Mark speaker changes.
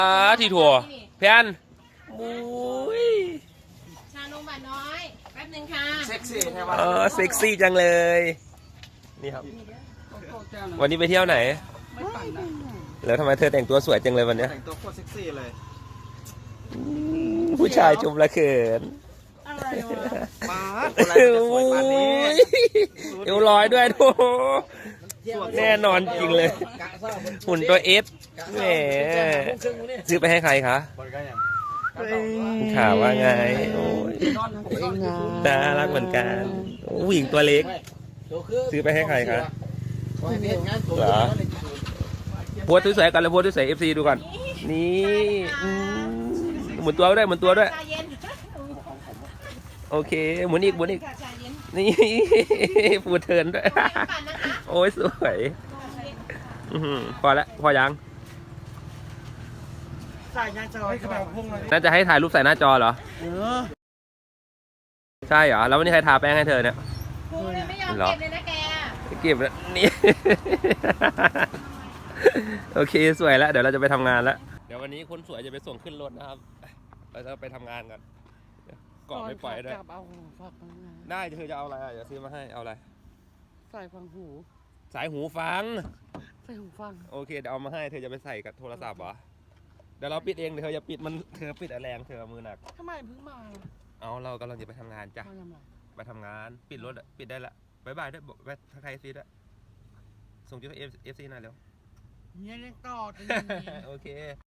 Speaker 1: ที่ถั่วเพี้ยนมุ้ย
Speaker 2: ชานมหวานน้อยแป๊บนึงค่ะ
Speaker 3: เซ็กซี่ใช่ไหม
Speaker 1: เซ็กซี่จังเลยนี่ครับวันนี้ไปเที่ยวไหนแล้วทำไมเธอแต่งตัวสวยจังเลยวันนี้
Speaker 3: แต่งตัวโคตรเซ็กซี่เลย
Speaker 1: ผู้ชายชมละเขิน
Speaker 2: อะไรวะ
Speaker 3: มาอะไรจะสวยปานนี้
Speaker 1: เอวลอยด้วยโถแน่นอนจริงเลยหุ่นตัวเอสแหมซื้อไปให้ใครคะข่าวว่าไงโอ้ยน่ารักเหมือนกันผู้หญิงตัวเล็กซื้อไปให้ใครคะเหรอโพสสวยๆกันเลยโพสสวยๆ FC ดูก่อนนี่หมุนตัวด้วยหมุนตัวด้วย
Speaker 2: ชาเย็น
Speaker 1: โอเคหมุนอีกหมุนอีก
Speaker 2: ค่ะชาเย็น
Speaker 1: นี่ฟูเทิร์นด้วย
Speaker 2: ปั่นนะคะ
Speaker 1: โอ้ยสวยพอแล้วพอยัง
Speaker 3: ใส่ยางจอยกระเป๋าพุ่งเลย
Speaker 1: น่าจะให้ถ่ายรูปใส่หน้าจอเหรอใช่เหรอแล้ววันนี้ใครทาแป้งให้เธอเนี่ย
Speaker 2: พูดเลยไม่ยอมเก็บเลยนะแก
Speaker 1: เก็บแล้วนี่ โอเคสวยแล้วเดี๋ยวเราจะไปทำงานแล้วเดี๋ยววันนี้คนสวยจะไปส่งขึ้นรถนะครับเราจะไปทำงานกันเกาะไม่ปล่อยด้วย
Speaker 4: จับเอาฝากมา
Speaker 1: ได้เธอจะเอาอะไรเดี๋ยวซื้อมาให้เอาอะไร
Speaker 4: ใส่ฟังหู
Speaker 1: สายหูฟัง
Speaker 4: ใส่หูฟัง
Speaker 1: โอเคเดี๋ยวเอามาให้เธอจะไปใส่กับโทรศัพท์เหรอเดี๋ยวเราปิดเองเดี๋ยวเธออย่าปิดมันเธอปิดแรงเธอมือหนัก
Speaker 4: ทำไมเพิ่งมา
Speaker 1: เอาเรากำลังจะไปทำงานจ้ะ
Speaker 4: มาทำไม
Speaker 1: ไปทำงานปิดรถอะปิดได้ละบายบายด้วยบอกไปทักทายซีด้วยส่งจุดเอฟซีหน่อยเร็ว
Speaker 4: เนี่ยยังต่อกัน
Speaker 1: โอเค